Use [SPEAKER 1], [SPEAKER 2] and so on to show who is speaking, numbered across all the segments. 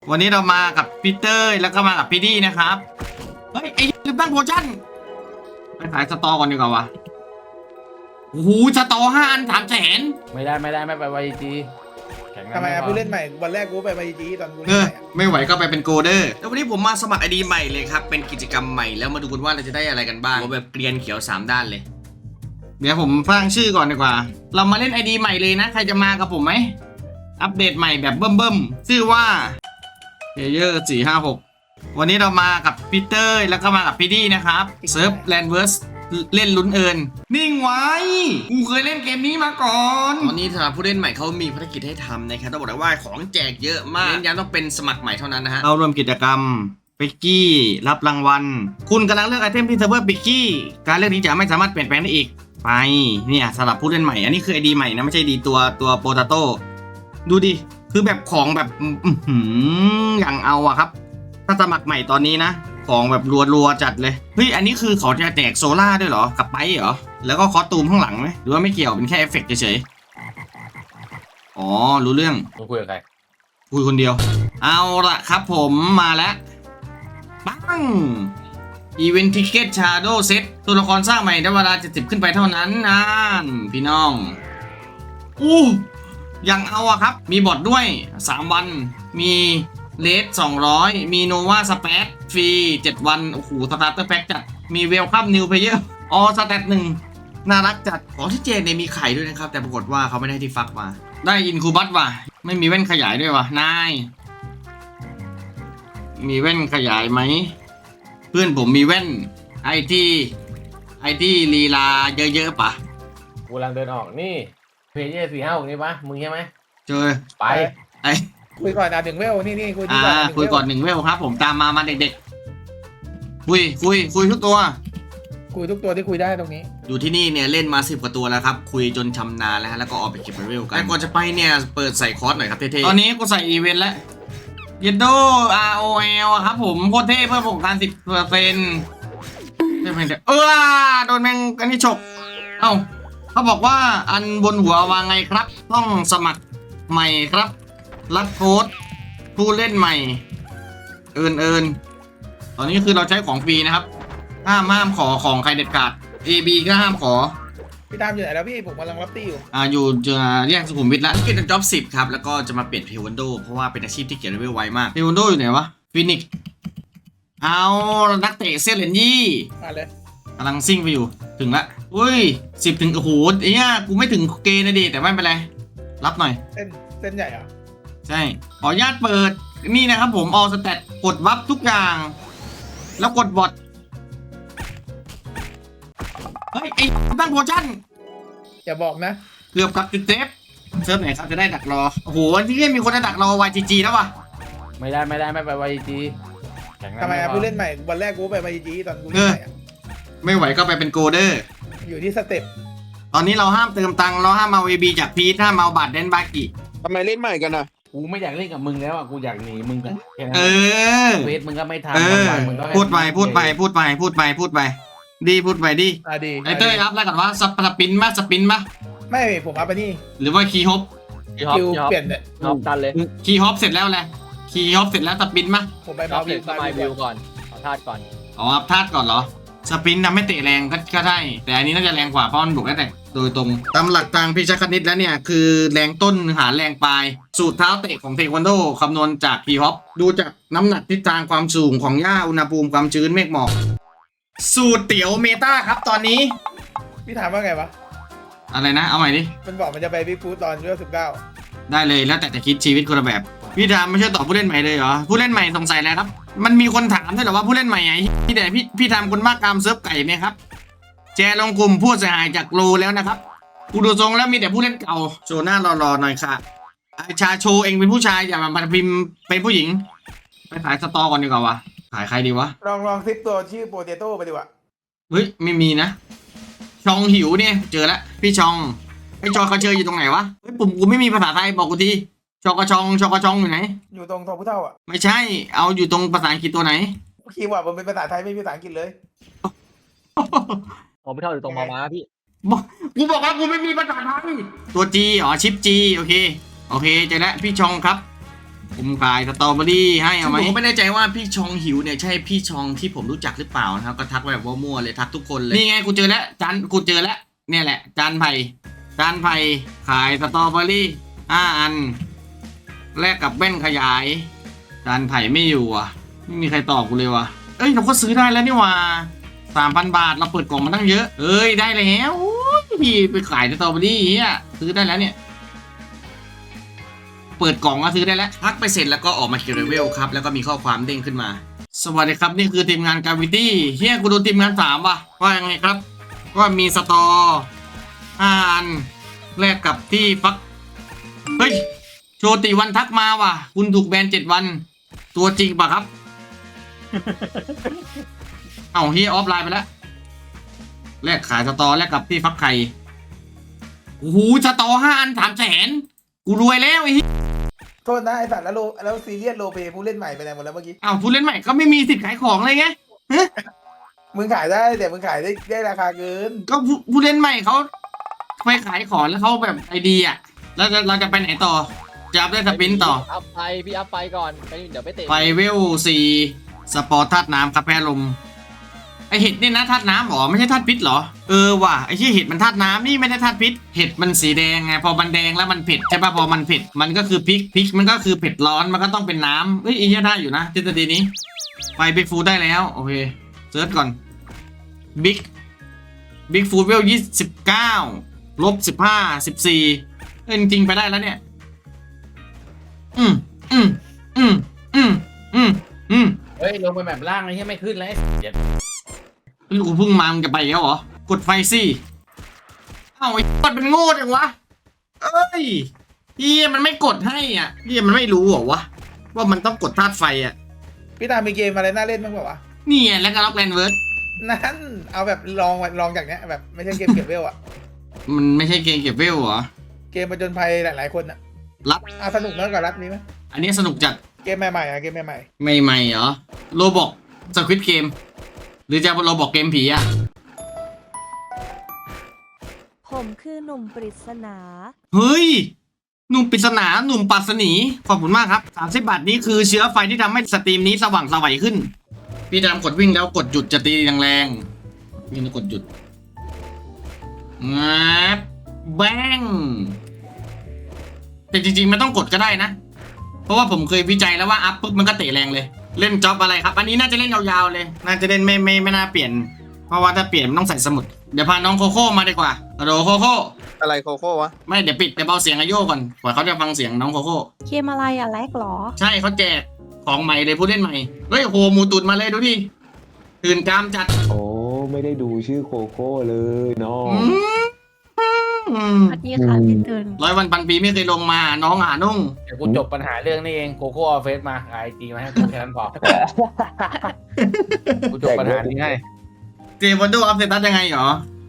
[SPEAKER 1] วันนี้เรามากับพีเตอร์แล้วก็มากับพี่ดี้นะครับเฮ้ยไอ้ลืมตั้งโพชั่นไปขายสตอก่อนดีกว่าวะโอ้โหสตอ5 อัน300,000
[SPEAKER 2] ไม่ไม่ไปไวจีแข่งกัน
[SPEAKER 3] ทำไม
[SPEAKER 2] พ
[SPEAKER 3] ผู้เล่นใหม่วันแรกกูไปมาจีตอนกู
[SPEAKER 1] เอ
[SPEAKER 3] เล่น
[SPEAKER 1] อ
[SPEAKER 3] ใหม่อะ
[SPEAKER 1] ไม่ไหวก็ไปเป็นโกเดอร์แล้ววันนี้ผมมาสมัครไอดีใหม่เลยครับเป็นกิจกรรมใหม่แล้วมาดูกันว่าเราจะได้อะไรกันบ้างแบบเกรียนเขียว3 ด้านเลยเดี๋ยวผมสร้างชื่อก่อนดีกว่าเรามาเล่นไอดีใหม่เลยนะใครจะมากับผมไหมอัปเดตใหม่แบบเบิ่มชื่อว่าเยอร์456วันนี้เรามากับพีเตอร์แล้วก็มากับพี่ดี้นะครับเซิร์ฟแลนด์เวิร์สเล่นลุ้นเอิญนิ่งไว้กูเคยเล่นเกมนี้มาก่อนตอนนี้สำหรับผู้เล่นใหม่เขามีภารกิจให้ทำนะครับต้องบอกเลยว่าของแจกเยอะมากเน้นย้ำต้องเป็นสมัครใหม่เท่านั้นนะฮะเรารวมกิจกรรมปิกกี้รับรางวัลคุณกำลังเลือกไอเทมที่เซิร์ฟเวอร์ปิกกี้การเลือกนี้จะไม่สามารถเปลี่ยนแปลงได้อีกไปเนี่ยสำหรับผู้เล่นใหม่อันนี้คือไอดีใหม่นะไม่ใช่ดีตัวโปเตโต้ดูดิคือแบบของแบบอย่างเอาอะครับถ้าสมัครใหม่ตอนนี้นะของแบบรัวๆจัดเลยเฮ้ยอันนี้คือเขาจะแจกโซล่าด้วยเหรอกับไปเหรอแล้วก็คอสตูมข้างหลังไหมหรือว่าไม่เกี่ยวเป็นแค่เอฟเฟกต์เฉยๆอ๋อรู้เรื่อง
[SPEAKER 2] มึงคุยกับใคร
[SPEAKER 1] คุยคนเดียวเอาละครับผมมาแล้วปังอีเวนต์ทิเก็ตชาโดเซตตัวละครสร้างใหม่ได้เวลา70ขึ้นไปเท่านั้นนั่นพี่น้องยังเอาอะครับมีบอทด้วย3 วันมีเลส200มีโนวาสเปซฟรี7 วันโอ้โหสตาร์เตอร์แพ็กจัดมีเวลคัมนิวเพลเยอร์ออสแตท1น่ารักจัดของที่เจนเนี่ยมีไข่ด้วยนะครับแต่ปรากฏว่าเขาไม่ได้ที่ฟักมาได้อินคูบัตว่ะไม่มีแว่นขยายด้วยว่ะนายมีแว่นขยายไหมเพื่อนผมมีแว่นไอที่ลีลาเยอะๆปะ
[SPEAKER 2] กูกำลังเดินออกนี่เพจ456นี่ปะมึงใช่ไหม
[SPEAKER 1] เจอ
[SPEAKER 2] ไป
[SPEAKER 1] ไอ
[SPEAKER 3] คุยก่อนนะถึงเวลนี่คุยดีกว่า
[SPEAKER 1] คุยก่อน1 เวลครับผมตามมาเด็กๆคุยทุกตัว
[SPEAKER 3] คุยทุกตัวที่คุยได้ตรงนี้
[SPEAKER 1] อยู่ที่นี่เนี่ยเล่นมา10 กว่าตัวแล้วครับคุยจนชำนาญแล้วฮะแล้วก็ออกไปเก็บเวลกันแต่ก่อนจะไปเนี่ยเปิดใส่คอร์สหน่อยครับเท่ๆตอนนี้กูใส่อีเวนต์แล้วเยนโด ROL อะครับผมโคตรเท่เพิ่มประสบการณ์10%โดนแมงอันนี้ฉกเอ้าเขาบอกว่าอันบนหัววางไงครับต้องสมัครใหม่ครับรับโค้ดผู้เล่นใหม่เอิญตอนนี้คือเราใช้ของฟรีนะครับห้ามขอของใครเด็ดขาด AB ก็ห้ามขอ
[SPEAKER 3] พี่ตามอยู่ไหนแล้วพี่ผมกำลังรับตี้อยู่
[SPEAKER 1] อยู่จะแยกสุขุมวิทแล้วเก็บจ็อบ10ครับแล้วก็จะมาเปลี่ยนเทควันโดเพราะว่าเป็นอาชีพที่เก็บเลเวลไวมากเทควันโดอยู่ไหนวะฟินิกเอานักเตะเซเลนยี่
[SPEAKER 3] มาเลย
[SPEAKER 1] กำลังซิ่งไปอยู่ถึงละอุ้ย10 ถึงโอ้โหเนี่ยกูไม่ถึงเกณฑ์นะดิแต่ไม่เป็นไรรับหน่อย
[SPEAKER 3] เส้นใหญ่เหรอ
[SPEAKER 1] ใช่ขออนุญาตเปิดนี่นะครับผมออสแตทกดวับทุกอย่างแล้วกดบอทเฮ้ยไอ้ตั้งโพชั่น
[SPEAKER 3] อย่าบอกนะ
[SPEAKER 1] เกือบกับจุดเซฟเซิร์ฟไหนครับจะได้ดักรอโอ้โหวันที่มีคนจะดักรอ YGG แล้ววะ
[SPEAKER 2] ไม่ไปไวจีแข่งกัน
[SPEAKER 3] ทำไมผู้เล่นใหม่วันแรกกูไปมาจีตอนกูเล่นใหม่อะ
[SPEAKER 1] ไม่ไหวก็ไปเป็นโกเดอร์
[SPEAKER 3] อยู่ที่สเต็ป
[SPEAKER 1] ตอนนี้เราห้ามเติมตังค์เราห้ามเอา AB จากพีทห้ามเอาบัตรเดนบากิ
[SPEAKER 4] ทำไมเล่นใหม่กันอ่ะ
[SPEAKER 2] กูไม่อยากเล่นกับมึงแล้วอ่ะกูอยากหนีมึงกันแค่นั้น
[SPEAKER 1] เออ
[SPEAKER 2] เวทมึงก็ไม่ทำ
[SPEAKER 1] เออ
[SPEAKER 2] วันๆมึงก็
[SPEAKER 1] พูดไปพูดไปพูดไปดีพูดไปดิ
[SPEAKER 3] ดี
[SPEAKER 1] ไอเต้ยรับแล้วกันว่าสปินปะ
[SPEAKER 3] ไม่ผมอัพไปนี่
[SPEAKER 1] หรือว่าคีย์ฮอป
[SPEAKER 3] คิวเปลี่ยนเนี่ย
[SPEAKER 5] ท็อปตันเลย
[SPEAKER 1] คีย์ฮอปเสร็จแล้วแหละคีย์ฮอปเสร็จแล้วสปินปะ
[SPEAKER 3] ผมไป
[SPEAKER 5] ท็อ
[SPEAKER 3] มา
[SPEAKER 5] ปเสร็จก็มาวิวก่อนขอธาตุก่อน
[SPEAKER 1] อ๋ออัพธาตุก่อนเหรอสปินทำให้เตะแรงก็ได้แต่อันนี้น่าจะแรงกว่าเพราะมันบุกได้แต่โดยตรงตามหลักทางพิชคณิตแล้วเนี่ยคือแรงต้นหารแรงปลายสูตรเท้าเตะของเทควันโดคำนวณจากคีย์ฮอปดูจากน้ำหนักทิศทางความสูงของหญ้าอุณหภูมิความชื้นเมฆหมอกสูตรเตี๋ยวเมตาครับตอนนี้
[SPEAKER 3] พี่ถามว่าไงวะ
[SPEAKER 1] อะไรนะเอาใหม่ดิ
[SPEAKER 3] มันบอกมันจะไปบิ๊กฟูดตอนเวล19
[SPEAKER 1] ได้เลยแล้วแต่จะคิดชีวิตคนละแบบพี่ทามไม่ใช่ตอบผู้เล่นใหม่เลยเหรอผู้เล่นใหม่สงสัยแล้วครับมันมีคนถามด้วยเหรอว่าผู้เล่นใหม่ไงพี่แต่พี่ทามคนมากกามเซิร์ฟไก่เนี่ยครับแชร์ลงกลุ่มผู้เสียหายจากโลแล้วนะครับกูดูทรงแล้วมีแต่ผู้เล่นเก่าโชว์หน้ารอๆหน่อยค่ะไอชาโชว์เองเป็นผู้ชายอย่ามาพิมพ์เป็นผู้หญิงไปขายสตอก่อนดีกว่าวะขายใครดีวะ
[SPEAKER 3] ลองซิปตัวชื่อโปเตโต้ไปดีกว่า
[SPEAKER 1] เฮ้ยไม่มีนะชองหิวเนี่ยเจอแล้วพี่ชองไอจอกระเชยอยู่ตรงไหนวะเฮ้ยปุ่มกูไม่มีภาษาไทยบอกกูทีชอกระชองอยู่ไหน
[SPEAKER 3] อยู่ตรงทองผู้เท่าอ่ะ
[SPEAKER 1] ไม่ใช่เอาอยู่ตรงภาษาอังกฤษตัวไหน
[SPEAKER 3] คีย์เวิร์ดมันเป็นภาษาไทยไม่มีภาษาอังกฤษเลย
[SPEAKER 5] ผมไม่เท่าอยู่ตรงมาม้าพี่
[SPEAKER 1] กูบอกว่ากูไม่มีภาษาไทยตัว G อ๋อชิป G โอเคเจอแล้วพี่ชองครับผมขายสตรอเบอรี่ให้เอาไหมผมไม่แน่ใจว่าพี่ชองหิวเนี่ยใช่พี่ชองที่ผมรู้จักหรือเปล่านะครับก็ทักแบบว่ามั่วเลยทักทุกคนเลยนี่ไงกูเจอแล้วกูเจอแล้วเนี่ยแหละจานไผ่ขายสตรอเบอรี่5 อันแลกกับแว่นขยายจานไผ่ไม่อยู่อ่ะไม่มีใครตอบกูเลยว่ะเอ้ยเราก็ซื้อได้แล้วนี่ว่า3,000 บาทเราเปิดกล่องมาตั้งเยอะเอ้ยได้แล้วพี่ไปขายสตรอเบอรี่เฮียซื้อได้แล้วเนี่ยเปิดกล่องก็ซื้อได้แล้วพักไปเสร็จแล้วก็ออกมาเกียร์เลเวลครับแล้วก็มีข้อความเด้งขึ้นมาสวัสดีครับนี่คือทีมงานกาวิตี้เฮียกูโดนทีมงาน3ว่ะว่ายังไงครับว่ามีสตอ5 อันแลกกับที่ฟักเฮ้ยโชติวันทักมาว่ะคุณถูกแบน7 วันตัวจริงปะครับ เอ้าเฮียออฟไลน์ไปแล้วแลกขายสตอแลกกับที่ฟักไข่โอ้โหสตอ5 อัน300,000กูรวยแล้วไอ้เหี้ย
[SPEAKER 3] โทษนะไอสัตว์แล้วซีเรียสโลเปผู้เล่นใหม่ไปไหนหมดแล้วเมื่อกี้
[SPEAKER 1] อ้าวผู้เล่นใหม่ก็ไม่มีสิทธิ์ขายของเลยไงฮะ
[SPEAKER 3] มึงขายได้แต่มึงขายได้ราคาเกิน
[SPEAKER 1] ก็ผู้เล่นใหม่เขาไปขายของแล้วเขาแบบไอเดียแล้วเราจะไปไหนต่อจะอัพได้สปินต่อ
[SPEAKER 5] พี่อัพไปก่อนเดี๋ยวไปเตะ
[SPEAKER 1] ไปเวล4สปอร์ตธาตุน้ำครับแพ้ลมไอเห็ดนี่นะธาตุน้ำหรอไม่ใช่ธาตุพิษหรอว่ะไอที่เห็ดมันธาตุน้ำนี่ไม่ได้ธาตุพิษเห็ดมันสีแดงไงพอมันแดงแล้วมันเผ็ดใช่ป่ะพอมันเผ็ดมันก็คือพริกมันก็คือเผ็ดร้อนมันก็ต้องเป็นน้ำเฮ้ยอีเหี้ยได้อยู่นะทฤษฎีนี้ไปบิ๊กฟูดได้แล้วโอเคเซิร์ชก่อนบิ๊กฟูดเวล-15 -14จริงๆไปได้แล้วเนี่ย
[SPEAKER 2] เฮ้ยลงไปแบบล่างเลยที่ไม่ขึ้นเลยเดี๋ยว
[SPEAKER 1] ลูกพึ่งมามึงจะไปแล้วเหรอกดไฟสิเอ้าไอ้กดเป็นโง่จังวะเอ้ยพี่มันไม่กดให้อ่ะพี่มันไม่รู้เหรอวะว่ามันต้องกดธาตุไฟอ่ะ
[SPEAKER 3] พี่ตามมีเกมอะไรน่าเล่นบ้างเปล่าวะ
[SPEAKER 1] นี่ไงแล้วก็ล็อกแลนเวิร์ด
[SPEAKER 3] นั่นเอาแบบลองจากเนี้ยแบบไม่ใช่เกมเก็บเวลอะ
[SPEAKER 1] มันไม่ใช่เกมเก็บเวลเหรอ
[SPEAKER 3] เกมประจนภัยหลายๆคนอะ
[SPEAKER 1] รับ
[SPEAKER 3] สนุกน้อยกว่ารับนี้ไหม
[SPEAKER 1] อันนี้สนุกจัด
[SPEAKER 3] เกมใหม่ๆอะเกมใหม่
[SPEAKER 1] ใหม่ๆเหรอโรบอกสควิตเกมหรือจะโรบอกเกมผีอ่ะ
[SPEAKER 4] ผมคือหนุ่มปริศนา
[SPEAKER 1] เฮ้ยหนุ่มปริศนาหนุ่มปัสนีขอบคุณมากครับ30 บาทนี้คือเชื้อไฟที่ทำให้สตรีมนี้สว่างไสวขึ้นพี่ดำกดวิ่งแล้วกดหยุดจะตีแรงๆวิ่งแล้วกดหยุดงับแบงแต่จริงๆไม่ต้องกดก็ได้นะเพราะว่าผมเคยวิจัยแล้วว่าอัพปุ๊บมันก็เตะแรงเลยเล่นจ็อบอะไรครับอันนี้น่าจะเล่นยาวๆเลยน่าจะเล่นไม่น่าเปลี่ยนเพราะว่าถ้าเปลี่ยนมันต้องใส่สมุดเดี๋ยวพาน้องโคโค่มาดีกว่าฮัลโหลโคโค่
[SPEAKER 6] อะไรโคโค่วะ
[SPEAKER 1] ไม่เดี๋ยวปิดเดี๋ยวเบาเสียงอาโยก่อนกว่าเขาจะฟังเสียงน้องโคโค่
[SPEAKER 4] เกมอะไรอ่ะแลกเหรอ
[SPEAKER 1] ใช่เขาแจกของใหม่เลยผู้เล่นใหม่เฮ้ยโหหมูตุดมาเลยดูดิตื่นกามจัด
[SPEAKER 7] โอ้ไม่ได้ดูชื่อโคโค่เลยน้อง
[SPEAKER 4] สวัสดีค่ะพี่ตื่น
[SPEAKER 1] 100 วันพันปีไม่เคยลงมาน้องหานุ่ง
[SPEAKER 2] เดี๋ยวกูจบปัญหาเรื่องนี้เองโคโค่เอาเฟซมาไอจีมาให้กูแค่นั้นพอกูจบปัญหานี้ให้
[SPEAKER 1] เจวันโดอัพเซตัสยังไงหรอ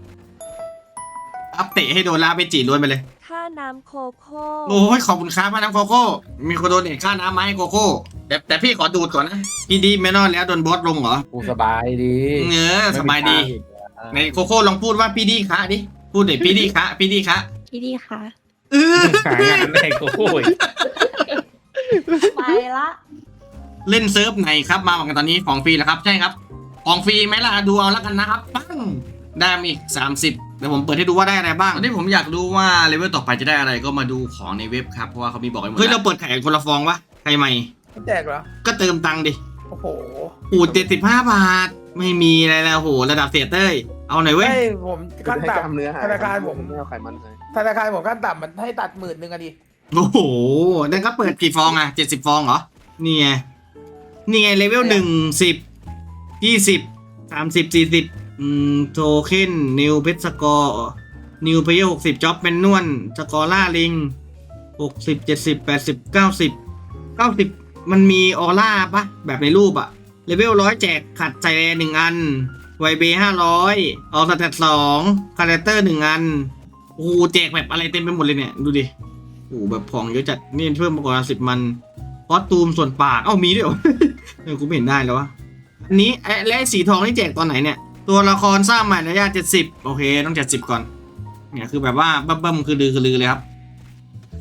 [SPEAKER 1] อัปเตะให้โดนลาไปจีล้วนไปเลย
[SPEAKER 4] ค่าน้ำโคโค่
[SPEAKER 1] โอ้ยขอบคุณครับพาน้ำโคโค่มีคนโดนเนทค่าน้ำมาให้โคโค่แต่พี่ขอดูดก่อนนะพี่ดีไม่นอนแล้วโดนบอสลงเหรอ
[SPEAKER 2] กูสบายดี
[SPEAKER 1] สบายดีในโคโค่ลองพูดว่าพี่ดีคะดิพูดเดี๋ยวพี่ดีคะพี่ดีคะ
[SPEAKER 4] พี่ดีค่ะ
[SPEAKER 2] หางานได้โคโค่อีก
[SPEAKER 4] ไปละ
[SPEAKER 1] เล่นเซิร์ฟไหนครับมาเหมือนกันตอนนี้ของฟรีแล้วครับใช่ครับของฟรีไหมล่ะดูเอาแล้วกันนะครับปั้งได้มาอีก30เดี๋ยวผมเปิดให้ดูว่าได้อะไรบ้างตอนนี้ผมอยากรู้ว่าเลเวลต่อไปจะได้อะไรก็มาดูของในเว็บครับเพราะว่าเขามีบอกไว้หมดเฮ้ยเราเปิดไข่คนละฟองวะใครใหม่
[SPEAKER 3] ๆแจกเหรอ
[SPEAKER 1] ก็เติมตังค์ดิ
[SPEAKER 3] โอ้โห
[SPEAKER 1] โอ้75 บาทไม่มีอะไรแล้วโหระดับเสียเต้ยเอาหน่อยเว้ย
[SPEAKER 3] ไม่ผมขั้น
[SPEAKER 6] ให้กล้ามเนื้อ
[SPEAKER 3] ต่ำ
[SPEAKER 6] หาย
[SPEAKER 3] ธนาคารผม
[SPEAKER 6] ไม่เอาไขมันเลย
[SPEAKER 3] ธนาคารผมขั้นต่ำมันให้ตัด10,000อะดิ
[SPEAKER 1] โอ้โหนั่นก็เปิดกี่ฟองอ่ะ70 ฟองเหรอนี่ไงเลเวล1 10 20 30 40โทเค็นนิวเพชรสกอร์นิวเพย์60จ็อบเป็นนวลสกอร่าลิง60 70 80 90มันมีออร่าปะแบบในรูปอะเลเวล100แจกขัดใจแร1 อันไวเบ500ออสแตท2คาแรคเตอร์1 อันโอ้โหแจกแบบอะไรเต็มไปหมดเลยเนี่ยดูดิโอ้โหแบบของเยอะจัดนี่เพิ่มมาก่อน10 มันคอสตูมส่วนปากมีด้วยเหรอ กูไม่เห็นได้แล้ววะอันนี้และสีทองนี่แจกตอนไหนเนี่ยตัวละครสร้างใหม่ระยะ70โอเคต้อง70ก่อนเนี่ยคือแบบว่าเบิ่มคือลือเลยครับ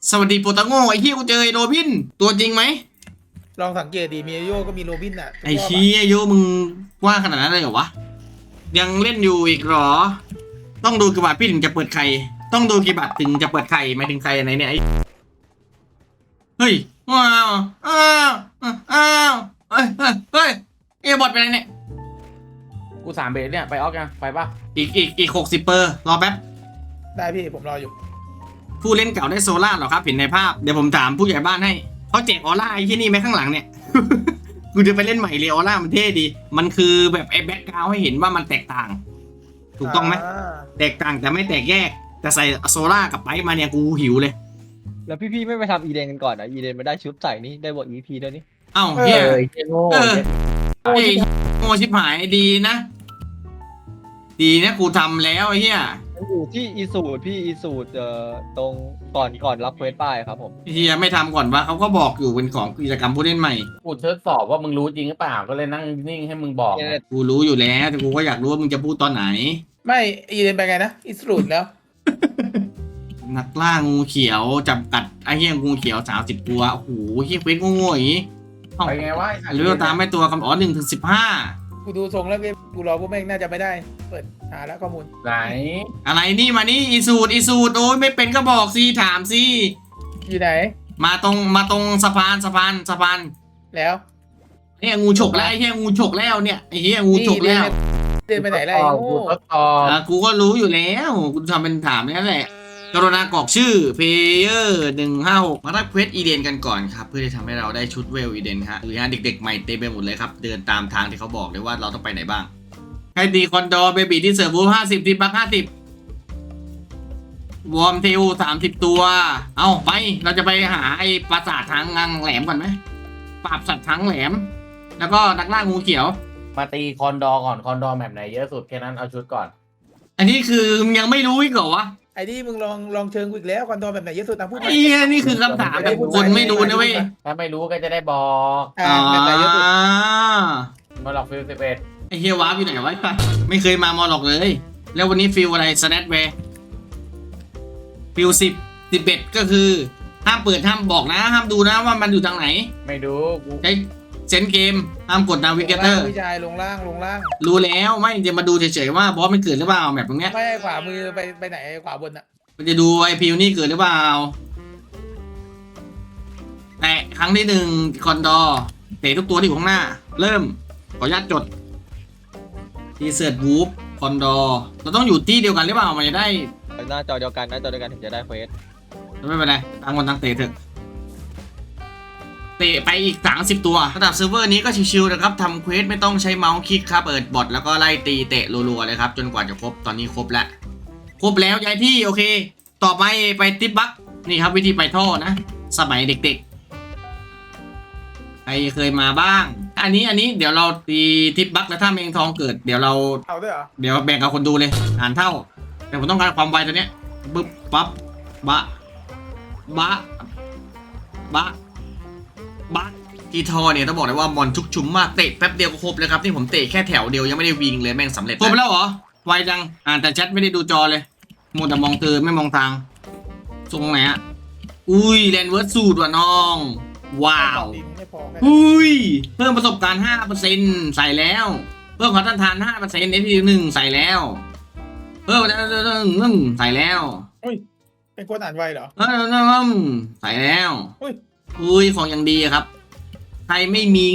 [SPEAKER 1] สวัสดีโปรตาโง่ไอ้เหี้ยกูเจอไอ้โรบินตัวจริงไหม
[SPEAKER 3] ลองสังเกตดีมีโยก็มีโรบินอ่ะ
[SPEAKER 1] ไอ้เหี้ยโยมึงว่าขนาดนั้นเลยเหรอวะยังเล่นอยู่อีกเหรอต้องดูกี่บาทพี่ถึงจะเปิดไข่ต้องดูกี่บาทถึงจะเปิดไข่หมายถึงใครไหนเนี่ยไอ้เฮ้ยว้าวอ้าวอ้าวเฮ้ยเฮ้ยเฮ้ยไอ้บอทไปไหนเนี่ย
[SPEAKER 2] กู3 เบสเนี่ยไปออกยังไปปะ
[SPEAKER 1] อีก60เปอร์รอแป๊บ
[SPEAKER 3] ได้พี่ผมรออยู่
[SPEAKER 1] ผู้เล่นเก่าได้โซล่าเหรอครับเห็นในภาพเดี๋ยวผมถามผู้ใหญ่บ้านให้เขาแจกออร่าไอ้ที่นี่ไหมข้างหลังเนี่ย กูจะไปเล่นใหม่เลยออร่ามันเท่ดี มันคือแบบไอ้แบ็คกราวด์ให้เห็นว่ามันแตกต่าง ถูกต้องไหมแตกต่างแต่ไม่แตกแยกแต่ใส่โซล่ากับไปมาเนี่ยกูหิวเลย
[SPEAKER 5] แล้วพี่ๆไม่ไปทำอีเดนกันก่อนนะอีเดนมาได้ชุดใส่นี่ได้บท EP ด้วยนี่
[SPEAKER 1] เอ้าเฮีย
[SPEAKER 2] โง่
[SPEAKER 1] เออไอ้โง่ชิบหายดีนะ ดีนะกูทำแล้วไอ้เฮีย
[SPEAKER 5] มันอยู่ที่อีสูดพี่อีสูดตรงก่อนรับเควสป้ายครับผม
[SPEAKER 1] เฮียไม่ทำก่อนวะเขาก็บอกอยู่เป็นของกิจกรรมผู้เล่นใหม่
[SPEAKER 2] กูทดสอบว่ามึงรู้จริงหรือเปล่าก็เลยนั่งนิ่งให้มึงบอก
[SPEAKER 1] กูรู้อยู่แล้วแต่กูก็อยากรู้ว่ามึงจะพูดตอนไหน
[SPEAKER 3] ไม่อีเดนไปไงนะอิสรูดแล้ว
[SPEAKER 1] นักล่างูเขียวจับกัดไอ้เหี้ยงูเขียว30ตัวโอ้โหเหี้ยเควสโง่ๆอย่างงี้
[SPEAKER 2] ไปไงวะ
[SPEAKER 1] หรือว่าตามไม่ตัวคำอ๋อ1 ถึง 15
[SPEAKER 3] กูดูทรงแล้วกูรอพวกแม่งน่าจะไม่ได้ เปิดหาแล้วข้อมูล
[SPEAKER 2] ไหน
[SPEAKER 1] อะไรนี่มานี่อีสูดโอ้ยไม่เป็นก็บอกสิถามสิ
[SPEAKER 3] อยู่ไหน
[SPEAKER 1] มาตรงสะพาน
[SPEAKER 3] แล้ว
[SPEAKER 1] เนี่ยงูฉกแล้วไอ้เหี้ยงูฉกแล้วเนี่ยไอ้เหี้ยงูฉกแล้ว
[SPEAKER 3] เดินไปไหนล่ะไอ้โง่
[SPEAKER 2] กูทดสอบ
[SPEAKER 1] กูก็รู้อยู่แล้วกูทำเป็นถามนั่นแหละกรุณากรอกชื่อเพลเยอร์156มารับเควสอีเดนกันก่อนครับเพื่อที่ทำให้เราได้ชุดเวลอีเดนฮะหรือฮะเด็กๆใหม่เต็มไปหมดเลยครับเดินตามทางที่เขาบอกเลยว่าเราต้องไปไหนบ้างให้ตีคอนโดเบบีที่เสิร์ฟบู50ทีบัก50วอร์มเทล30ตัวเอาไปเราจะไปหาไอ้ปราสาททางงังแหลมก่อนไหมปราบสัตว์ทางแหลม แล้วก็นักล่างูเขียว
[SPEAKER 2] มาตีคอนดอร์ก่อนคอนดอร์แมปไหนเยอะสุดแค่นั้นเอาชุดก่อน
[SPEAKER 1] อันนี้คือมึงยังไม่รู้อีกเหรอวะ
[SPEAKER 3] ไอ้นี่มึงลองเชิงกูอีกแล้วคอนโดแบบไหนเยอะสุดตามพูด
[SPEAKER 1] ไอ้เหี้ยนี่คือคำถามแบบคนไม่รู้นะเว้ย
[SPEAKER 2] ถ้าไม่รู้ก็จะได้บอก
[SPEAKER 3] แบบไหนเยอะสุด
[SPEAKER 2] มาหลอกฟิล11
[SPEAKER 1] ไอเฮียวาร์ปอยู่ไหนวะไม่เคยมามอหรอกเลย แล้ววันนี้ฟิลอะไรสแนทแวร์ฟิล11ก็คือห้ามเปิดห้ามบอกนะห้ามดูนะว่ามันอยู่ทางไหน
[SPEAKER 2] ไม่ดูกู
[SPEAKER 1] ใช้เซนเกมห้ามกดนาวิเกเตอร์
[SPEAKER 3] พี่ชายลงล่าง
[SPEAKER 1] รู้แล้วไม่จะมาดูเฉยๆว่าบอสมันเกิดหรือเปล่าแบบตรงเนี้ย
[SPEAKER 3] ไม่ขวามือไปไหนขวาบนอ่ะ
[SPEAKER 1] มันจะดูไอพิวนี่เกิดหรือเปล่าแตะครั้งที่1คอนดอร์เตะทุกตัวที่อยู่ข้างหน้า เริ่มขออนุญาตจดทีเสิร์ตวูฟคอนดอร์เราต้องอยู่ที่เดียวกันหรือเปล่ามันจะได้
[SPEAKER 5] หน้าจอเดียวกันถึงจะได้เควส
[SPEAKER 1] ไม่เป็นไรต่างคนต่างเตะเถอะเตะไปอีก30ตัวระดับเซิร์ฟเวอร์นี้ก็ชิวๆนะครับทำเควสไม่ต้องใช้เมาส์คลิกครับเปิดบอทแล้วก็ไล่ตีเตะรัวๆเลยครับจนกว่าจะครบตอนนี้ครบแล้วย้ายที่โอเค ต่อไปติ๊บบักนี่ครับวิธีไปท่อนะ สมัยเด็กๆใครเคยมาบ้าง อันนี้เดี๋ยวเราตีทิปบักแล้วถ้าเมงทองเกิดเดี๋ยวเรา
[SPEAKER 3] เอาด้วยเหรอ
[SPEAKER 1] เดี๋ยวแบ่งกับคนดูเลยอ่านเท่า แต่ผมต้องการความไวตัวเนี้ยปึ๊บปั๊บบะทีทอเนี่ยต้องบอกเลยว่ามอนทุกชุมมากเตะแป๊บเดียวก็ครบเลยครับที่ผมเตะแค่แถวเดียวยังไม่ได้วิ่งเลยแม่งสำเร็จครบแล้วเหรอไวจังอ่านแต่แชทไม่ได้ดูจอเลยมัวแต่มองเธอไม่มองทางตรงไหนอะอุ้ยแลนเวิร์ดสูตรว่ะน้องว้าว
[SPEAKER 3] ดีมึงไม่พอแค่
[SPEAKER 1] อุ้ยเพิ่มประสบการณ์ 5% ใส่แล้ว เพิ่มความต้านทาน 5% FP1 ใส่แล้ว เพิ่มใส่แล้ว
[SPEAKER 3] เป็นคนอ่านไวเหรอ
[SPEAKER 1] ใส่แล้ว
[SPEAKER 3] อุ้ย
[SPEAKER 1] อุ้ยของอย่างดีอะครับ ใครไม่มี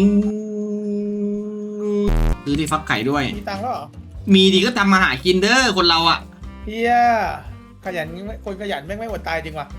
[SPEAKER 1] ซื้อที่ฟักไข่ด้วย
[SPEAKER 3] มีตังค์แล้วเหรอ
[SPEAKER 1] มีดีก็ทำมาหากินเด้อคนเราอะ
[SPEAKER 3] เฮียขยันคนขยันแม่งไม่อดตายจริงว่ะ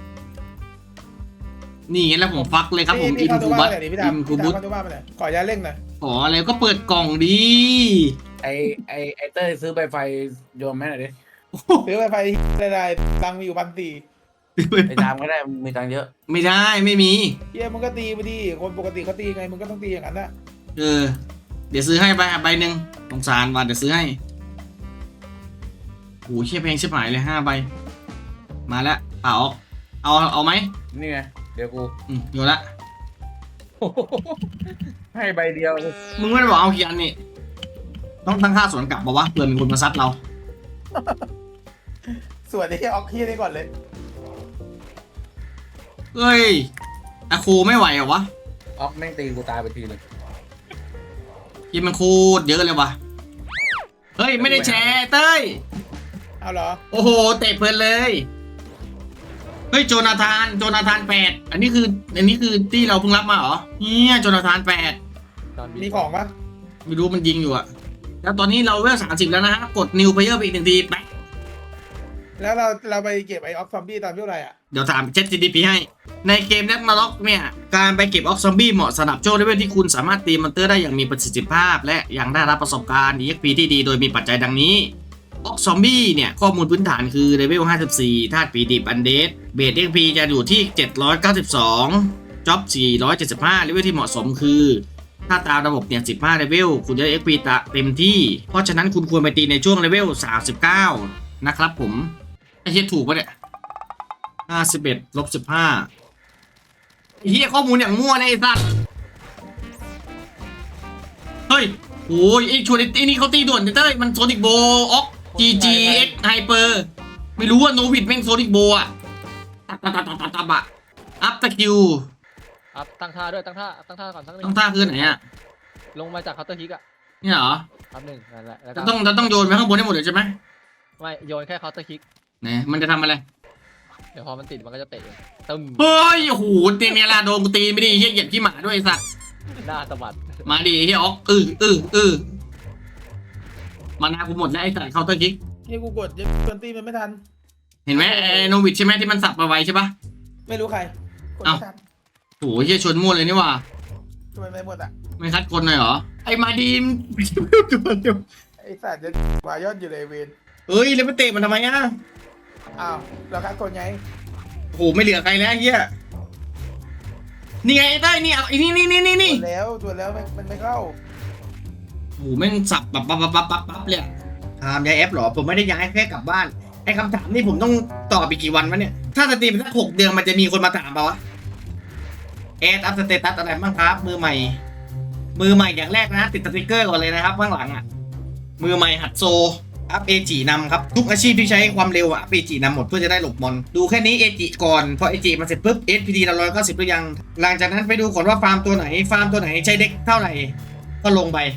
[SPEAKER 1] นี่ไงแล้วผมฟักเลยครับผมอิน
[SPEAKER 3] เข้าตั
[SPEAKER 1] คู
[SPEAKER 3] ว
[SPEAKER 1] บั
[SPEAKER 3] บ้า
[SPEAKER 1] ต
[SPEAKER 3] นหน่อยดิพี่
[SPEAKER 1] อิ
[SPEAKER 3] ดาม
[SPEAKER 1] นคูบุต
[SPEAKER 3] เข้าตัวบ้านไปหน่อยขอยาเร่งหน่อย
[SPEAKER 1] ขออะไรก็เปิดกล่องดี
[SPEAKER 2] ไอเต้ยซื้อใบไฟโยมแม่หน่อยดิ
[SPEAKER 3] ซื้อไฟได้ตังค์มีอยู่1,400
[SPEAKER 2] ไอดามก็ได้มีตังค์เยอะ
[SPEAKER 1] ไม่ได้ไม่มี
[SPEAKER 3] เฮียมึงก็ตีไปดิคนปกติเขาตีไงมึงก็ต้องตีอย่างนั้นนะ
[SPEAKER 1] เดี๋ยวซื้อให้ใบหนึ่งสงสารว่าเดี๋ยวซื้อให้โอ้โหเชี่ยเพลงชิบหายเลย5 ใบ มาแล้วเปล่าเอาไหม
[SPEAKER 2] นี่ไงเดี๋ยวกู
[SPEAKER 1] อยู่ละ
[SPEAKER 2] ให้ใบเดียว
[SPEAKER 1] มึงไม่ได้บอกเอากี่อันนี่ต้องตั้งค่าสวนกลับบอกว่าเผื่อมีคนมาซัดเรา
[SPEAKER 3] ส่วนนี้ออกเฮียนี่ก่อนเลย
[SPEAKER 1] เอ้ยอะโคไม่ไหวเหรอวะ
[SPEAKER 2] ออกแม่งตีกูตายไปทีนึง
[SPEAKER 1] ยิงมันโคตรเยอะเลยวะเฮ้ยไม่ได้แชร์เต้ย
[SPEAKER 3] เอาเหรอ
[SPEAKER 1] โอ้โหเตะเพลินเลยเฮ้ยโจนาธาน8อันนี้คือที่เราเพิ่งรับมาเหรอเนี่ยโจนาธาน8
[SPEAKER 5] ตอน
[SPEAKER 3] มีของปะ
[SPEAKER 1] ไม่รู้มันยิงอยู่อะแล้วตอนนี้เราเวล30แล้วนะฮะกด New Player ไปอีก1 ทีไป
[SPEAKER 3] แล้วเราไปเก็บไอ้ออฟซอมบี้ตอนเท่าไหร่อ่ะ
[SPEAKER 1] เดี๋ยวถาม ChatGPT ให้ในเกมแร็กนาร็อกเนี่ยการไปเก็บออกซอมบี้เหมาะสำหรับช่วงเลเวลที่คุณสามารถตีมอนเตอร์ได้อย่างมีประสิทธิภาพ และยังได้รับประสบการณ์ EXP ที่ดีโดยมีปัจจัยดังนี้ออกซอมบี้เนี่ยข้อมูลพื้นฐานคือเลเวล54ธาตุปีดิบอันเดดเบส EXP จะอยู่ที่792จ็อบ475เลเวลที่เหมาะสมคือถ้าตามระบบเนี่ย15เลเวลคุณจะได้ EXP เต็มที่เพราะฉะนั้นคุณควรไปตีในช่วงเลเวล39นะครับผมไอ้เหี้ยถูกปะเนี่ย51 ลบ 15ไอ้เหี้ยข้อมูลอย่างมั่วนะไอ้สัสเฮ้ยโอ้ยไอ้ชวนไอ้นี่เขาตีด่วนเต้ยมันโซนิกโบออก GGX Hyper ไม่รู้ว่าโนวิดแม่งโซนิกโบอะตับอะอัพตะคิว
[SPEAKER 5] อัพตั้งท่าด้วยตั้งท่าก่อนสักหนึ่
[SPEAKER 1] ต้องท่าคือไหนอะ
[SPEAKER 5] ลงมาจากเคาน์เตอร์ฮิกอะ
[SPEAKER 1] เนี่ยเหรอ
[SPEAKER 5] อัพหนึ่งนั่นแหละแล้ว
[SPEAKER 1] จะ
[SPEAKER 5] ก็
[SPEAKER 1] ต้องโยนไปข้างบนให้หมดเลยใช่ไหม
[SPEAKER 5] ไม่โยนแค่เคาน์เตอร์ฮิก
[SPEAKER 1] ไหนมันจะทำอะไร
[SPEAKER 5] เดี๋ยวพอมันติดมันก็จะเตะตึ้ม
[SPEAKER 1] เฮ้ยโอ้โหเตียงเนี่ยละโดนกูตีไม่ดีเหี้ยเหยียบขี้หมาด้วยไอ้สัส
[SPEAKER 5] หน้าสะบัด
[SPEAKER 1] มาดิเหี้ยออกมานากูหมดแล้วไอ้สัสเคาน์เตอร์คิก
[SPEAKER 3] นี่กูกดยังจนตีมันไม่ทัน
[SPEAKER 1] เห็นไหมไอ้โนวิดใช่ไหมที่มันสับมาไวใช่ปะ
[SPEAKER 3] ไม่รู้ใครกดไม่ทัน
[SPEAKER 1] โอ้โหเฮียชวนมั่วเลยนี่หว่า
[SPEAKER 3] ทำไมไม่หมดอ่ะ
[SPEAKER 1] ไม่คัดคนหน่อยเหรอ ไอ้มาดีม
[SPEAKER 3] ไอ้สัตว์จะมายอดอยู่เลยเวน
[SPEAKER 1] เฮ้ยแล้วไปเตะมันทำไมอ่ะ
[SPEAKER 3] อ้าวเราคัดคนไง
[SPEAKER 1] โอ้โหไม่เหลือใครแล้วเฮียนี่ไงไอ้ได้ยนี่เอาไอ้นี่
[SPEAKER 3] ตัวแล้วมันไม่เข้า
[SPEAKER 1] โอ้โหแม่งสับปั๊บเลยอะถามย้ายแอปเหรอผมไม่ได้ย้ายแค่กลับบ้านไอ้คำถามนี่ผมต้องตอบอีกกี่วันวะเนี่ยถ้าสตรีมสัก6 เดือนมันจะมีคนมาถามเปล่าวะแอดอัพสเตตัสอะไรบ้างครับมือใหม่อย่างแรกนะติดสติ๊กเกอร์ก่อนเลยนะครับข้างหลังอ่ะมือใหม่หัดโซอัพเอจินำครับทุกอาชีพที่ใช้ความเร็วอัพเอจินำหมดเพื่อจะได้หลบมอนดูแค่นี้เอจิก่อนพอเอจิมันเสร็จปุ๊บ SPD เรา190หรือยังหลังจากนั้นไปดูก่อนว่าฟาร์มตัวไหนใช้เด็กเท่าไหร่ก็ลงไป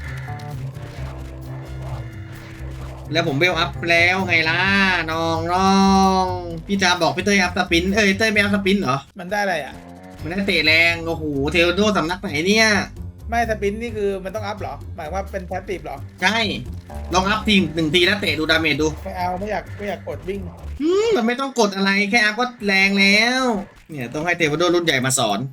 [SPEAKER 1] แล้วผมเวลอัพแล้วไงล่ะน้องพี่จาบอกพี่เต้ยอัพสปินเต้ยไม่อัพสปินเหรอ
[SPEAKER 3] มันได้อะไรอ่ะ
[SPEAKER 1] มันได้เตะแรงโอ้โหเทโดสำนักไหนเนี่ย
[SPEAKER 3] ไม่สปินนี่คือมันต้องอัพเหรอ หมายว่าเป็นแพสซีฟเหรอ
[SPEAKER 1] ใช่ลองอัพที1 ทีแล้วเตะดูดาเมจดู
[SPEAKER 3] ไม่เอาไม่อยากกดวิ่ง
[SPEAKER 1] มันไม่ต้องกดอะไรแค่อัพก็แรงแล้วเนี่ยต้องให้เทโดรุ่นใหญ่มาสอน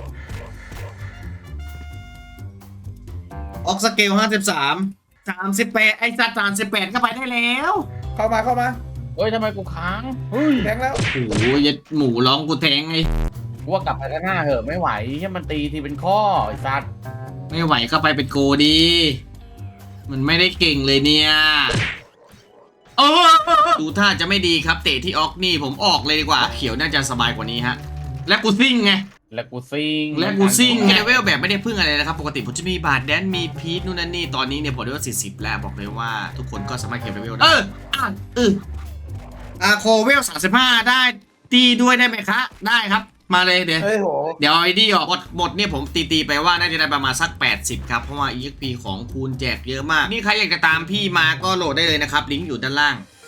[SPEAKER 1] ออกสเกล38ไอ้สัตว์38ก็ไปได้แล้ว
[SPEAKER 3] เข้ามา
[SPEAKER 2] เฮ้ยทำไมกูค้างเฮ้ย
[SPEAKER 3] แทงแล้ว
[SPEAKER 1] โอ้โหยัดหมูร้องกูแทงไง
[SPEAKER 2] กูว่ากลับไปข้างหน้าเหอะไม่ไหวแค่มันตีทีเป็นข้อไอ้สัตว์
[SPEAKER 1] ไม่ไหวก็ไปเป็นโกดีมันไม่ได้เก่งเลยเนี่ยดูท่าจะไม่ดีครับเตะที่ออกนี่ผมออกเลยดีกว่าเขียวน่าจะสบายกว่านี้ฮะและกูซิ่งไง
[SPEAKER 2] และกูซิง
[SPEAKER 1] เลเวลแบบไม่ได้พึ่งอะไรนะครับปกติผมจะมีบาทแดนมีพีทนู่นนั่นนี่ตอนนี้เนี่ยผมได้ว่า40แล้วบอกเลยว่าทุกคนก็สามารถเก็บเลเวลได้โคเวล35ได้ตีด้วยได้ไหมคะได้ครับมาเลยเดี๋ยว
[SPEAKER 3] เฮ้ยโห
[SPEAKER 1] เดี๋ยวไอดีออกหมดเนี่ยผมตีไปว่าน่าจะได้ประมาณสัก80ครับเพราะว่า EXP ของคูณแจกเยอะมากนี่ใครอยากจะตามพี่มาก็โหลดได้เลยนะครับลิงก์อยู่ด้านล่าง